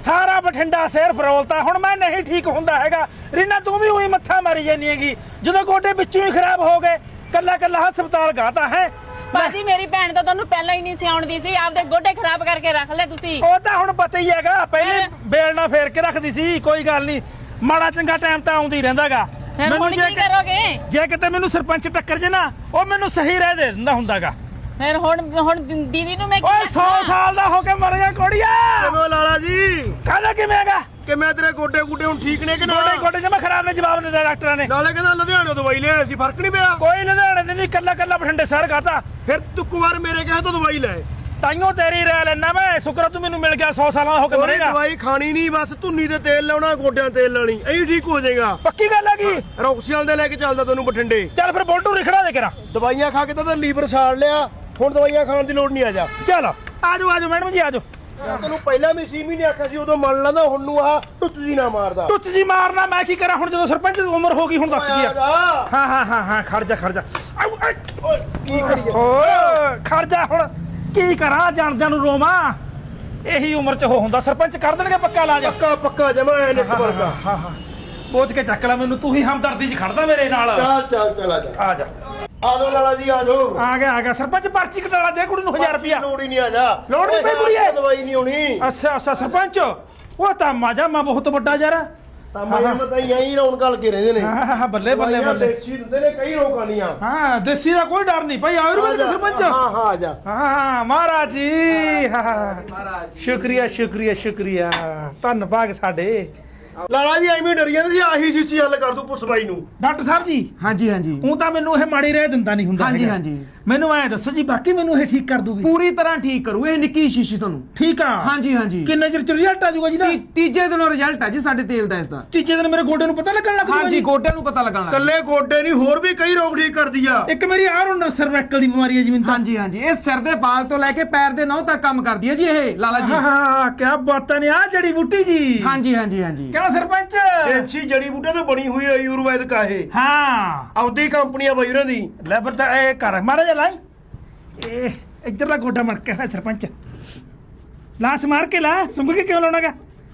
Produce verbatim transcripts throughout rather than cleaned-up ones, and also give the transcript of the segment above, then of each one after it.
ਸਾਰਾ ਬਠਿੰਡਾ ਸਿਰ ਫਰੋਲਤਾ। ਹੁਣ ਮੈਂ ਨਹੀਂ ਠੀਕ ਹੁੰਦਾ ਹੈਗਾ। ਰੀਨਾ ਤੂੰ ਵੀ ਉਹੀ ਮੱਥਾ ਮਾਰੀ ਜਾਨੀ ਹੈਗੀ। ਜਦੋਂ ਗੋਡੇ ਵਿੱਚੋਂ ਹੀ ਖਰਾਬ ਹੋ ਗਏ, ਕੱਲਾ ਕੱਲਾ ਹਸਪਤਾਲ ਗਾਤਾ ਹੈ। ਬਾਜੀ ਮੇਰੀ ਭੈਣ ਤਾਂ ਤੁਹਾਨੂੰ ਪਹਿਲਾਂ ਹੀ ਨਹੀਂ ਸਿਆਉਣਦੀ ਸੀ, ਆਪਦੇ ਗੋਡੇ ਖਰਾਬ ਕਰਕੇ ਰੱਖ ਲੈ ਤੁਸੀਂ। ਉਹ ਤਾਂ ਹੁਣ ਪਤਾ ਹੀ ਹੈਗਾ, ਪਹਿਲੇ ਬੇਲ ਨਾਲ ਫੇਰ ਕੇ ਰੱਖਦੀ ਸੀ। ਕੋਈ ਗੱਲ ਨਹੀਂ, ਮਾੜਾ ਚੰਗਾ ਟਾਈਮ ਤਾਂ ਆਉਂਦੀ ਰਹਿੰਦਾਗਾ। ਮੈਨੂੰ ਕੀ ਕਰੋਗੇ ਜੇ ਕਿਤੇ ਮੈਨੂੰ ਸਰਪੰਚ ਟੱਕਰ ਜੇ ਨਾ, ਉਹ ਮੈਨੂੰ ਸਹੀ ਰਹਿ ਦੇ ਦਿੰਦਾ ਹੁੰਦਾਗਾ। ਫਿਰ ਹੁਣ ਹੁਣ ਦੀਦੀ ਨੂੰ ਮੈਂ ਓਏ ਸੌ ਸਾਲ ਦਾ ਹੋ ਕੇ ਮਰ ਗਿਆ ਕੋੜੀਆ। ਕਿਵੇਂ ਲਾਲਾ ਜੀ? ਕਾਹਦਾ ਕਿਵੇਂ ਹੈਗਾ? ਕਿ ਮੈਂ ਤੇਰੇ ਗੋਡੇ ਗੁੱਡੇ ਹੁਣ ਠੀਕ ਨੇ ਕਿ ਨਾ? ਗੋਡੇ ਗੋਡੇ ਜਮਾ ਖਰਾਬ ਨੇ, ਜਵਾਬ ਦਿੱਤਾ ਡਾਕਟਰਾਂ ਨੇ। ਨਾਲੇ ਕਹਿੰਦਾ ਲੁਧਿਆਣੇ ਦਵਾਈ ਲੈ ਸੀ, ਫਰਕ ਨਹੀਂ ਪਿਆ? ਕੋਈ ਲੁਧਿਆਣੇ ਦੇ ਨਹੀਂ, ਕੱਲਾ ਕੱਲਾ ਬਠਿੰਡੇ ਸ਼ਹਿਰ ਖਾਤਾ। ਫਿਰ ਤੂੰ ਇੱਕ ਵਾਰ ਮੇਰੇ ਕਹੇ ਤੋਂ ਦਵਾਈ ਲੈ। ਤਾਈਓ ਤੇਰੀ ਰਹਿ ਲੈਣਾ ਮੈਂ। ਸ਼ੁਕਰ ਤੂੰ ਮੈਨੂੰ ਮਿਲ ਗਿਆ, ਸੌ ਸਾਲਾਂ ਦਾ ਹੋ ਕੇ ਮਰੇਗਾ। ਦਵਾਈ ਖਾਣੀ ਨਹੀਂ, ਬਸ ਧੁੰਨੀ ਤੇ ਤੇਲ ਲਾਉਣਾ, ਗੋਡਿਆਂ ਤੇਲ ਲਾਣੀ, ਐਂ ਠੀਕ ਹੋ ਜਾਏਗਾ। ਪੱਕੀ ਗੱਲ ਹੈਗੀ। ਰੌਕਸੀਅਲ ਦੇ ਲੈ ਕੇ ਚੱਲਦਾ ਤੈਨੂੰ ਬਠਿੰਡੇ। ਚੱਲ ਫਿਰ ਬੋਲਟੂ ਰਿਖੜਾ ਦੇ ਕਰਾ। ਦਵਾਈਆਂ ਖਾ ਕੇ ਤਾਂ ਲੀਵਰ ਸਾੜ ਲਿਆ, ਹੁਣ ਦਵਾਈਆਂ ਖਾਣ ਦੀ ਲੋੜ ਨਹੀਂ। ਆ ਜਾ ਚਲ ਆਜੋ ਆਜੋ ਮੈਡਮ ਜੀ ਆਜੋ। ਤੈਨੂੰ ਪਹਿਲਾਂ ਵੀ ਸੀ ਵੀ ਨਹੀਂ ਆਖਿਆ ਸੀ, ਉਦੋਂ ਮੰਨ ਲੈਂਦਾ, ਹੁਣ ਨੂੰ ਆਹ ਟੁੱਟ ਜੀ ਨਾ ਮਾਰਦਾ। ਟੁੱਚ ਜੀ ਮਾਰਨਾ ਮੈਂ ਕੀ ਕਰਾਂ ਹੁਣ, ਜਦੋਂ ਸਰਪੰਚ ਦੀ ਉਮਰ ਹੋ ਗਈ ਹੁਣ ਦੱਸ ਗਿਆ। ਜਾ ਹਾਂ ਹਾਂ ਹਾਂ ਹਾਂ ਖੜ ਜਾ ਖੜ ਜਾ। ਆਊ, ਆਏ। ਓਏ ਕੀ ਕਰੀਏ? ਓਏ ਖੜ ਜਾ ਹੁਣ, ਕੀ ਕਰਾਂ ਜਾਣਦਿਆਂ ਨੂੰ ਰੋਵਾਂ। ਇਹੀ ਉਮਰ ਚ ਉਹ ਹੁੰਦਾ, ਸਰਪੰਚ ਕਰ ਦੇਣਗੇ ਪੱਕਾ ਇਲਾਜ। ਪੱਕਾ ਪੱਕਾ ਜਮਾ ਐ ਨਿੱਕ ਵਰਗਾ। ਹਾਂ ਹਾਂ ਪੋਚ ਕੇ ਚੱਕ ਲੈ ਮੈਨੂੰ, ਤੂੰ ਹੀ ਹਮਦਰਦੀ ਚ ਖੜਦਾ ਮੇਰੇ ਨਾਲ। ਚੱਲ ਚੱਲ ਚੱਲ ਆ ਜਾ ਆ ਜਾ ਆ ਜਾਓ ਲਾਲਾ ਜੀ, ਆ ਜਾਓ। ਆ ਗਿਆ ਆ ਗਿਆ। ਸਰਪੰਚ ਪਰਚੀ ਕਟਾਲਾ ਦੇ ਕੁੜੀ ਨੂੰ ਹਜ਼ਾਰ ਰੁਪਿਆ। ਲੋੜ ਹੀ ਨਹੀਂ, ਆ ਜਾ। ਲੋੜ ਨਹੀਂ ਪਈ ਕੁੜੀਏ। ਦਵਾਈ ਨਹੀਂ ਹੋਣੀ। ਅੱਛਾ ਅੱਛਾ ਸਰਪੰਚ, ਉਹ ਤਾਂ ਮਾਜਾ ਮਾ ਬਹੁਤ ਵੱਡਾ ਯਾਰ। ਤਾਂ ਮੈਂ ਮਤਾਂ ਯਹੀਂ ਰੌਣ ਗੱਲ ਕੇ ਰਹਿੰਦੇ ਨੇ। ਹਾਂ ਹਾਂ ਬੱਲੇ ਬੱਲੇ ਦਵਾਈਆਂ ਬੱਲੇ। ਦੇਸੀ ਦਿੰਦੇ ਨੇ, ਕਈ ਰੋਗਾਂ ਦੀਆਂ। ਹਾਂ ਦੇਸੀ ਦਾ ਕੋਈ ਡਰ ਨਹੀਂ ਭਾਈ, ਆਯੁਰਵੇਦ ਸਰਪੰਚ। ਹਾਂ ਹਾਂ ਆ ਜਾ। ਹਾਂ ਮਹਾਰਾਜ ਜੀ, ਹਾਂ ਸ਼ੁਕਰੀਆ ਸ਼ੁਕਰੀਆ ਸ਼ੁਕਰੀਆ, ਧੰਨਵਾਦ ਸਾਡੇ। ਲਾਲਾ ਜੀ ਐਵੇਂ ਡਰ ਜਾਂਦੇ ਸੀ, ਆਹੀ ਸ਼ੀਸ਼ੀ ਹੱਲ ਕਰ ਦੂ ਪੁੱਛ ਬਾਈ ਨੂੰ। ਡਾਕਟਰ ਸਾਹਿਬ ਜੀ ਹਾਂਜੀ ਹਾਂਜੀ ਉਹ ਤਾਂ ਮੈਨੂੰ ਇਹ ਮਾੜੀ ਰਹਿ ਦਿੰਦਾ ਨਹੀਂ ਹੁੰਦਾ ਹਾਂਜੀ ਹੈਗਾ। ਹਾਂਜੀ ਮੈਨੂੰ ਐ ਦੱਸੋ ਜੀ, ਬਾਕੀ ਮੈਨੂੰ ਇਹ ਠੀਕ ਕਰ ਦੂਗੀ? ਪੂਰੀ ਤਰ੍ਹਾਂ ਠੀਕ ਕਰੂ ਇਹ ਨਿੱਕੀ ਸ਼ੀਸ਼ੀ ਤੁਹਾਨੂੰ। ਠੀਕ ਆ। ਹਾਂਜੀ ਹਾਂਜੀ ਕਿੰਨੇ ਚਿਰ ਚ ਰਿਜ਼ਲਟ ਆ ਜਾਊਗਾ ਜੀ ਦਾ? ਤੀ- ਤੀਜੇ ਦਿਨੋਂ ਰਿਜ਼ਲਟ ਹੈ ਜੀ ਸਾਡੇ ਤੇਲ ਦਾ ਇਸ ਦਾ। ਤੀਜੇ ਦਿਨ ਮੇਰੇ ਗੋਡੇ ਨੂੰ ਪਤਾ ਲੱਗਣ ਲੱਗ ਜੂਗਾ ਹਾਂਜੀ ਜੀ? ਗੋਡਿਆਂ ਨੂੰ ਪਤਾ ਲੱਗਣ ਲੱਗ ਕੱਲੇ ਗੋਡੇ ਨਹੀਂ, ਹੋਰ ਵੀ ਕਈ ਰੋਗ ਠੀਕ ਕਰਦੀ ਆ। ਇੱਕ ਮੇਰੀ ਆਹ ਰੋਂਡਰ ਸਰਵੈਕਲ ਦੀ ਬਿਮਾਰੀ ਹੈ ਜੀ ਮੈਨੂੰ ਤਾਂ। ਹਾਂਜੀ ਹਾਂਜੀ ਇਹ ਸਿਰ ਦੇ ਬਾਲ ਤੋਂ ਲੈ ਕੇ ਪੈਰ ਦੇ ਨਹੁੰ ਤੱਕ ਕੰਮ ਕਰਦੀ ਹੈ ਜੀ ਇਹ ਲਾਲਾ ਜੀ। ਹਾਂ ਹਾਂ ਕੀ ਬਾਤਾਂ ਨੇ, ਆ ਜੜੀ ਬੂਟੀ ਜੀ। ਹਾਂਜੀ ਹਾਂਜੀ ਹਾਂਜੀ ਕਿਹੜਾ ਸਰਪੰਚ? ਦੇਸੀ ਜੜੀ ਬੂਟੇ ਤੋਂ ਬਣੀ ਹੋਈ ਹੈ, ਆਯੁਰਵੈਦਿਕ ਆ ਇਹ। ਹਾਂ ਆਪਦੀ ਕੰਪਨੀ ਆ ਬਾਈ ਉਹਨਾਂ ਦੀ। ਲੈ ਪਰ ਤਾਂ ਇਹ ਕਰ ਮਾੜਾ ਜਿਹਾ ਲਾਈ। ਇਹ ਇੱਧਰਲਾ ਗੋਡਾ ਮੜਕਿਆ ਹੋਇਆ ਸਰਪੰਚ, ਲਾਸ ਮਾਰ ਕੇ ਲਾ। ਸੁੰਘ ਕੇ ਕਿਉਂ ਲਾਉਣਾਗਾ?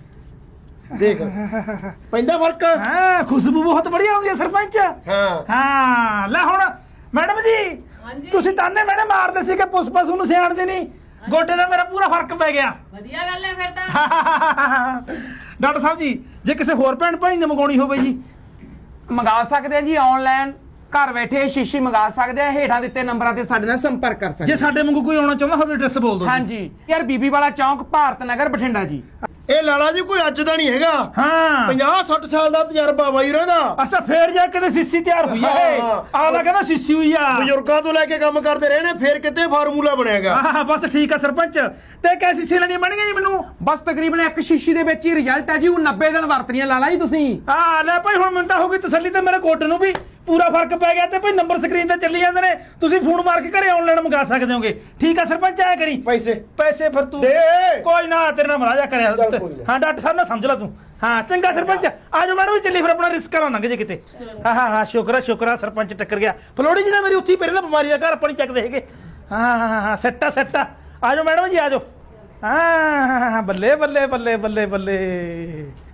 ਦੇਖ ਪੈਂਦਾ ਫਰਕ। ਹਾਂ ਖੁਸ਼ਬੂ ਬਹੁਤ ਬੜੀਆ ਆਉਂਦੀ ਹੈ ਸਰਪੰਚ। ਹਾਂ ਹਾਂ ਲੈ ਹੁਣ ਮੈਡਮ ਜੀ, ਤੁਸੀਂ ਤਾਨੇ ਮੈਡਮ ਮਾਰਦੇ ਸੀ ਕਿ ਪੁਸ਼ਪਾ ਨੂੰ ਸਿਆਣਦੇ ਨਹੀਂ। ਗੋਡੇ ਦਾ ਮੇਰਾ ਪੂਰਾ ਫਰਕ ਪੈ ਗਿਆ। ਵਧੀਆ ਗੱਲ ਹੈ ਫਿਰ ਤਾਂ। ਡਾਕਟਰ ਸਾਹਿਬ ਜੀ, ਜੇ ਕਿਸੇ ਹੋਰ ਭੈਣ ਭਾਈ ਨੇ ਮੰਗਾਉਣੀ ਹੋਵੇ ਜੀ? ਮੰਗਾ ਸਕਦੇ ਆ ਜੀ ਆਨਲਾਈਨ, ਘਰ ਬੈਠੇ ਸ਼ੀਸ਼ੀ ਮੰਗਾ ਸਕਦੇ ਆ। ਹੇਠਾਂ ਦਿੱਤੇ ਨੰਬਰਾਂ ਤੇ ਸਾਡੇ ਨਾਲ ਸੰਪਰਕ ਕਰ ਸਕਦੇ ਜੇ ਸਾਡੇ ਵਾਂਗੂ ਕੋਈ ਆਉਣਾ ਚਾਹੁੰਦਾ ਹੋਵੇ ਐਡਰੈਸ ਬੋਲ ਦਿਓ। ਹਾਂਜੀ ਯਾਰ ਬੀਬੀ ਵਾਲਾ ਚੌਂਕ, ਭਾਰਤ ਨਗਰ, ਬਠਿੰਡਾ ਜੀ। ਇਹ ਲਾਲਾ ਜੀ ਕੋਈ ਅੱਜ ਦਾ ਨਹੀਂ ਹੈਗਾ, ਹਾਂ ਪੰਜਾਹ ਸੱਠ ਸਾਲ ਦਾ ਤਜਰਬਾ ਬਾਈ ਰਹਿੰਦਾ। ਅੱਛਾ ਫੇਰ ਜਾ ਕੇ ਸਿੱਸੀ ਤਿਆਰ ਹੋਈ ਆ ਇਹ। ਹਾਂ। ਆਲਾ ਕਹਿੰਦਾ ਸਿੱਸੀ ਹੋਈ ਆ। ਬਜ਼ੁਰਗਾਂ ਤੋਂ ਲੈ ਕੇ ਕੰਮ ਕਰਦੇ ਰਹੇ ਨੇ, ਫੇਰ ਕਿਤੇ ਫਾਰਮੂਲਾ ਬਣਿਆਗਾ। ਹਾਂ ਹਾਂ ਬਸ ਠੀਕ ਆ ਸਰਪੰਚ। ਤੇ ਕੈਸੀ ਸੀ ਲੈਣੀ ਬਣ ਗਈ ਜੀ ਮੈਨੂੰ? ਬਸ ਤਕਰੀਬਨ ਇੱਕ ਸ਼ੀਸ਼ੀ ਦੇ ਵਿੱਚ ਹੀ ਰਿਜ਼ਲਟ ਹੈ ਜੀ। ਉਹ ਨੱਬੇ ਦਿਨ ਵਰਤਣੀ ਹੈ ਲਾਲਾ ਜੀ ਤੁਸੀਂ। ਆ ਲੈ ਭਾਈ ਹੁਣ ਮੈਨੂੰ ਤਾਂ ਹੋ ਗਈ ਤਸੱਲੀ, ਤੇ ਮੇਰੇ ਗੋਡੇ ਨੂੰ ਵੀ ਪੂਰਾ ਫਰਕ ਪੈ ਗਿਆ। ਤੇ ਭਾਈ ਨੰਬਰ ਸਕਰੀਨ ਤੇ ਚੱਲੀ ਜਾਂਦੇ ਨੇ, ਤੁਸੀਂ ਫੋਨ ਮਾਰ ਕੇ ਘਰੇ ਆਨਲਾਈਨ ਮੰਗਾ ਸਕਦੇ ਹੋਗੇ। ਠੀਕ ਆ ਸਰਪੰਚ, ਆਇਆ ਕਰੀ। ਪੈਸੇ ਪੈਸੇ ਫਿਰ ਤੂੰ ਦੇ। ਕੋਈ ਨਾ, ਤੇਰੇ ਨਾਲ ਮਰਾਜਾ ਕਰਿਆ। ਚੱਲ ਕੋਈ ਨਾ। ਹਾਂ ਡਾਕਟਰ ਸਾਹਿਬ ਨਾਲ ਸਮਝ ਲੈ ਤੂੰ। ਹਾਂ ਚੰਗਾ ਸਰਪੰਚ, ਆਜੋ ਮੈਡਮ ਵੀ ਚੱਲੀ ਫਿਰ, ਆਪਣਾ ਰਿਸਕ ਨਾ ਲੰਘ ਜੇ ਕਿਤੇ। ਹਾਂ ਹਾਂ ਹਾਂ ਸ਼ੁਕਰ ਆ ਸ਼ੁਕਰ ਆ, ਸਰਪੰਚ ਟੱਕਰ ਗਿਆ। ਫਲੋੜੀ ਜੀ ਨਾ ਮੇਰੀ ਉੱਥੀ ਪਹਿਲਾਂ ਬਿਮਾਰੀ ਦਾ ਘਰ ਆਪਾਂ ਨਹੀਂ ਚੱਕਦੇ ਹੈਗੇ। ਹਾਂ ਹਾਂ ਹਾਂ ਸੱਟਾ ਸੱਟਾ। ਆਜੋ ਮੈਡਮ ਜੀ ਆਜੋ। ਹਾਂ ਬੱਲੇ ਬੱਲੇ ਬੱਲੇ ਬੱਲੇ ਬੱਲੇ।